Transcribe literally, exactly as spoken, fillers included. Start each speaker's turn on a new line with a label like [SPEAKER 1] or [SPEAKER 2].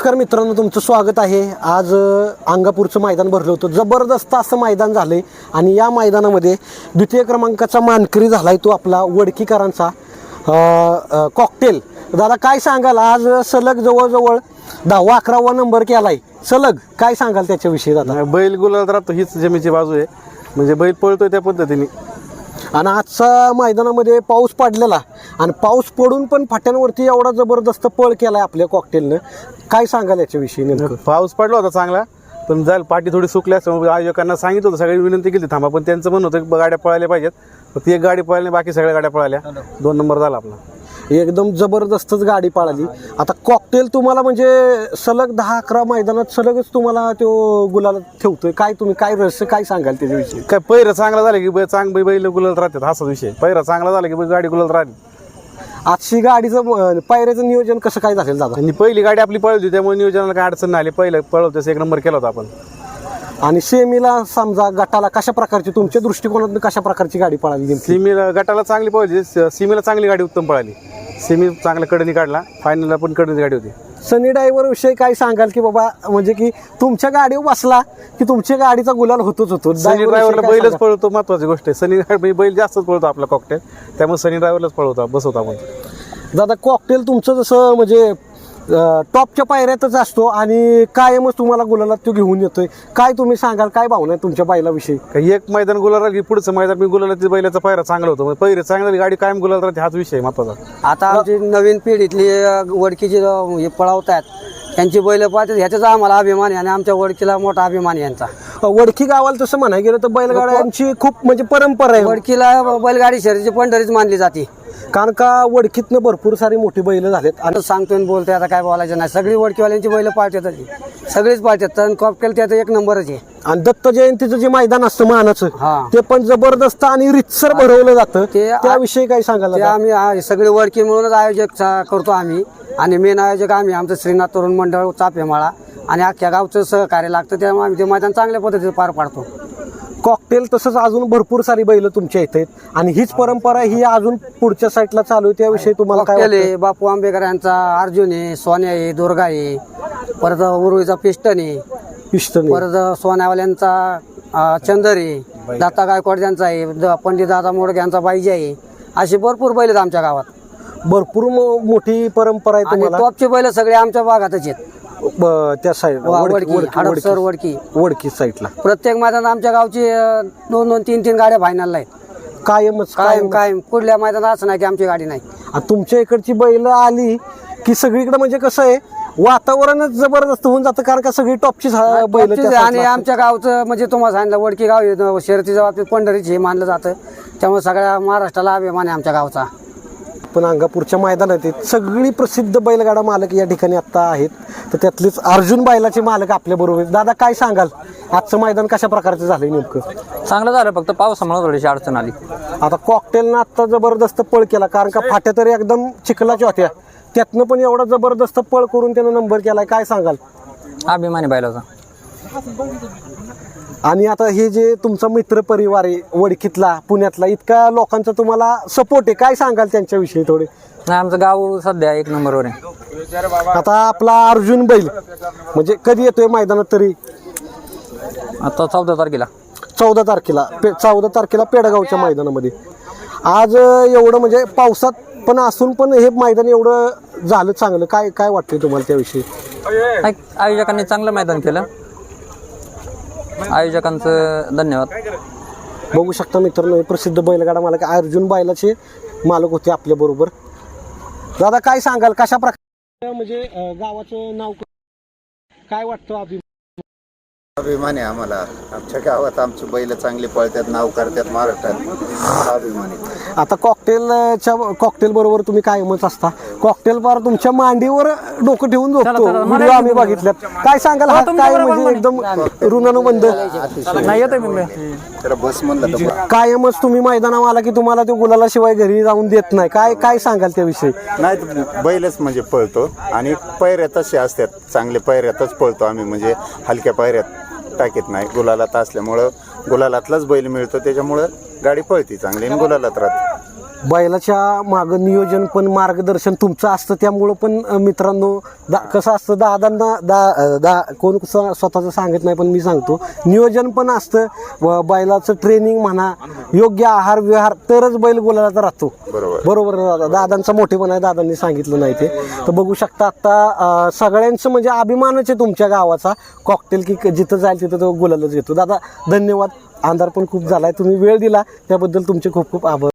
[SPEAKER 1] नमस्कार मित्रांनो, तुमचं स्वागत आहे. आज अंगापूरचं मैदान भरलं होतं. जबरदस्त असं मैदान झालं आहे आणि या मैदानामध्ये द्वितीय क्रमांकाचा मानकरी झाला आहे तो आपला वडकीकरांचा कॉकटेल. दादा काय सांगाल, आज सलग जवळजवळ दहावा अकरावा नंबर केला आहे सलग, काय सांगाल त्याच्याविषयी दादा?
[SPEAKER 2] बैल गुलाल राहतो हीच जमीची बाजू आहे, म्हणजे बैल पळतोय त्या पद्धतीने.
[SPEAKER 1] आणि आजचा मैदानामध्ये पाऊस पडलेला आणि पाऊस पडून पण फाट्यांवरती एवढा जबरदस्त पळ केला आहे आपल्या कॉकटेलनं, काय सांगाल याच्याविषयी? नेमकं
[SPEAKER 2] पाऊस पडला होता चांगला, पण जाईल पाठी थोडी सुकली असल्यामुळे आयोजकांना सांगितलं होतं, सगळी विनंती केली थांबा, पण त्यांचं म्हणणं होतं की गाड्या पळायला पाहिजेत. ती एक गाडी पळाली, बाकी सगळ्या गाड्या पळाल्या, दोन नंबर झाला आपला.
[SPEAKER 1] एकदम जबरदस्तच गाडी पळाली. आता कॉकटेल तुम्हाला म्हणजे सलग दहा अकरा मैदानात सलगच तुम्हाला तो गुलाल ठेवतोय, काय तुम्ही काय रहस्य काय सांगाल त्याच्याविषयी?
[SPEAKER 2] काय पैरा चांगला झाला की चांग बैल गुलाल राहतात, हाच विषय. पैरा चांगला झाला की गाडी गुलाल राहते.
[SPEAKER 1] आजची गाडीचं पायऱ्याचं नियोजन कसं काय झालं दादा?
[SPEAKER 2] आणि पहिली गाडी आपली पळवली त्यामुळे नियोजनाला काय अडचण नाही आली. पहिलं पळवतेच एक नंबर केला होता आपण.
[SPEAKER 1] आणि सेमीला समजा गटाला कशा प्रकारची तुमच्या दृष्टिकोनातून कशा प्रकारची गाडी पळाली?
[SPEAKER 2] सीमीला गटाला चांगली पळवली, सीमीला चांगली गाडी उत्तम पळाली. सेमी चांगल्या कडनी काढला, फायनलला पण कडनी गाडी होती.
[SPEAKER 1] सनी ड्रायव्हर विषयी काय सांगाल की बाबा, म्हणजे की तुमच्या गाडीवर बसला की तुमच्या गाडीचा गुलाल होतोच होतो?
[SPEAKER 2] सनी ड्रायव्हरला बैलच पळवतो, महत्वाची गोष्ट आहे. सनी ड्रायव्हर बैल जास्तच पळतो आपला कॉकटेल, त्यामुळे सनी ड्रायव्हरलाच पळवतो बसवतो आपण.
[SPEAKER 1] दादा कॉकटेल तुमचं जसं म्हणजे टॉपच्या पायऱ्यातच असतो आणि कायमच तुम्हाला गुलालात तो घेऊन येतोय, काय तुम्ही सांगाल, काय भावना आहे तुमच्या बैलाविषयी?
[SPEAKER 2] काही एक मैदान गुलाल राहिली, पुढचं मैदान मी गुलाला बैलाचा पायरा चांगला होतो, पैरे चांगली गाडी कायम गुलाल राहते, हाच विषय महत्वाचा.
[SPEAKER 3] आता आमची नवीन पिढीतली वडकीची हे पळवतात त्यांची बैल पाहतात, ह्याचाच आम्हाला अभिमान आहे आणि आमच्या वडकीला मोठा अभिमान आहे यांचा.
[SPEAKER 1] वडकी गावाला तसं म्हणायला गेलं तर बैलगाड्यांची खूप म्हणजे परंपरा आहे.
[SPEAKER 3] वडकीला बैलगाडी शर्यतीची पंढरीच मानली जाते,
[SPEAKER 1] कारण का वडकीतनं भरपूर सारी मोठी बैल झालेत.
[SPEAKER 3] आणि सांगतो आणि बोलते, आता काय बोलायचं नाही. सगळी वडकीवाल्यांची बैल पाळतात, सगळीच पाळतात. तर कॉकटेल त्याचं एक नंबरच आहे.
[SPEAKER 1] आणि दत्त जयंतीचं जे मैदान असतं मानाचं,
[SPEAKER 3] हा
[SPEAKER 1] ते पण जबरदस्त आणि रितसर भरवलं जातं,
[SPEAKER 3] ते
[SPEAKER 1] त्याविषयी काय सांगाल?
[SPEAKER 3] ते आम्ही सगळे वडकी मिळूनच आयोजक करतो आम्ही, आणि मेन आयोजक आम्ही, आमचं श्रीनाथ तरुण मंडळ चापेमाळा, आणि अख्ख्या गावचं सहकार्य लागतं, त्यामुळे आम्ही ते मैदान चांगल्या पद्धतीने पार पाडतो.
[SPEAKER 1] कॉकटेल तसंच अजून भरपूर सारी बैल तुमच्या इथे आहेत आणि हीच परंपरा ही अजून पुढच्या साईडला चालू आहे, त्याविषयी तुम्हाला काय
[SPEAKER 3] कॉकटेल
[SPEAKER 1] वाटतं?
[SPEAKER 3] आहे, बापू आंबेकर यांचा अर्जुन आहे, सोन्या आहे, दुर्गा आहे, परत उरुळीचा पिस्टन आहे,
[SPEAKER 1] पिस्टन आहे.
[SPEAKER 3] परत सोन्यावाल्यांचा अं, चंदर आहे, दाता गायकवाड यांचा आहे, द- पंडित दादा मोडक यांचा बाईजी आहे. अशी भरपूर बैल आहेत आमच्या गावात,
[SPEAKER 1] भरपूर मो- मोठी परंपरा आहे
[SPEAKER 3] आणि
[SPEAKER 1] तुम्हाला.
[SPEAKER 3] टॉपचे बैल सगळे आमच्या भागातच आहेत.
[SPEAKER 1] ब- त्या साईड
[SPEAKER 3] वडकी हडपसर वडकी
[SPEAKER 1] वडकी साईडला
[SPEAKER 3] प्रत्येक मैदानात आमच्या गावची अं, दोन दोन तीन तीन गाड्या फायनलला आहेत.
[SPEAKER 1] कायमच
[SPEAKER 3] कायम कायम कुठल्या मैदानात असं नाही की आमची गाडी नाही.
[SPEAKER 1] आणि तुमच्या इकडची बैल आली की सगळीकडे म्हणजे कसं आहे, वातावरणच जबरदस्त होऊन जातं, कारण का सगळी टॉपची बैल त्या
[SPEAKER 3] आणि
[SPEAKER 1] साईडला
[SPEAKER 3] आमच्या गावचं म्हणजे तुम्हाला सांगितलं, वडकी गाव आहे, शर्यतीच्या बाबतीत पंढरीच हे मानलं जातं, त्यामुळे सगळ्या महाराष्ट्राला अभिमान आहे आमच्या गावचा.
[SPEAKER 1] पण अंगापूरच्या मैदानात आहेत सगळी प्रसिद्ध बैलगाडा मालक या ठिकाणी आता आहेत, तर त्यातलेच अर्जुन बैलाचे मालक आपल्या बरोबर आहेत. दादा काय सांगाल, आजचं मैदान कशा प्रकारचं झालंय? नेमकं
[SPEAKER 4] चांगलं झालं, फक्त पावसामुळे थोडीशी अडचण आली.
[SPEAKER 1] आता कॉकटेलनं आता जबरदस्त पळ केला, कारण का फाट्या तरी एकदम चिखलाच्या होत्या, त्यातनं पण एवढा जबरदस्त पळ करून त्यानं नंबर केलाय, काय सांगाल?
[SPEAKER 4] अभिमानी बैलाचा.
[SPEAKER 1] आणि आता हे जे तुमचा मित्र परिवार आहे वडकीतला पुण्यातला, इतका लोकांचा तुम्हाला सपोर्ट आहे, काय सांगाल त्यांच्याविषयी थोडे?
[SPEAKER 4] नाही, आमचं गाव सध्या एक नंबरवर आहे.
[SPEAKER 1] आता आपला अर्जुन बैल म्हणजे कधी येतोय मैदानात? तरी
[SPEAKER 4] आता चौदा तारखेला
[SPEAKER 1] चौदा तारखेला पे चौदा तारखेला पेडगावच्या मैदानामध्ये. आज एवढं म्हणजे पावसात पण असून पण हे मैदान एवढं झालं चांगलं, काय काय वाटतंय तुम्हाला त्याविषयी?
[SPEAKER 4] नाही, आयोजकांनी चांगलं मैदान केलं, आयोजकांचं धन्यवाद.
[SPEAKER 1] बघू शकता मित्रांनो, हे प्रसिद्ध बैलगाडा मालक अर्जुन बैलाचे मालक होते आपल्या बरोबर. दादा काय सांगाल, कशा प्रकारे म्हणजे गावाचं नाव काय वाटतं? अभि
[SPEAKER 5] अभिमान आहे आम्हाला, आमच्या गावात आमची बैल चांगली पळतात, नाव करतात महाराष्ट्रात, अभिमान आहे.
[SPEAKER 1] आता कॉकटेलच्या कॉकटेल बरोबर तुम्ही कायमच असता, कॉकटेल बार तुमच्या मांडीवर डोकं ठेवून झोपतो, व्हिडिओ आम्ही बघितल्यात, काय सांगाल? हा काय म्हणजे एकदम ऋणानुबंध
[SPEAKER 4] नाही येतोय मी.
[SPEAKER 5] तर बस म्हणलं तर
[SPEAKER 1] कायमच तुम्ही मैदानावर आला की तुम्हाला ते गुलालाशिवाय घरी जाऊन देत नाही, काय काय सांगाल त्याविषयी?
[SPEAKER 5] नाही, बैलच म्हणजे पळतो आणि पैऱ्यात असे असतात, चांगले पैऱ्यातच पळतो आम्ही, म्हणजे हलक्या पैऱ्यात टाकीत नाही. गुलालात असल्यामुळं गुलालातलाच बैल मिळतो, त्याच्यामुळं गाडी पळती चांगली आणि गुलालात राहते.
[SPEAKER 1] बैलाच्या मागं नियोजन पण मार्गदर्शन तुमचं असतं, त्यामुळं पण अ, मित्रांनो दा कसं असतं दादांना दा अ, दा कोण स- स्वतःचं सांगत नाही पण मी सांगतो, नियोजन पण असतं व बैलाचं ट्रेनिंग म्हणा, योग्य आहार विहार, तरच बैल गुलाला राहतो.
[SPEAKER 5] बरोबर.
[SPEAKER 1] बरोबर ना दादा, दादांचा मोठेपणा आहे, दादांनी सांगितलं नाही ते. तर बघू शकता आता अ, सगळ्यांचं म्हणजे अभिमानच आहे तुमच्या गावाचा. कॉकटेल की जिथं जाईल तिथं तो गुलालच घेतो. दादा धन्यवाद. अंधार पण खूप झालाय, तुम्ही वेळ दिला त्याबद्दल तुमचे खूप खूप आभार.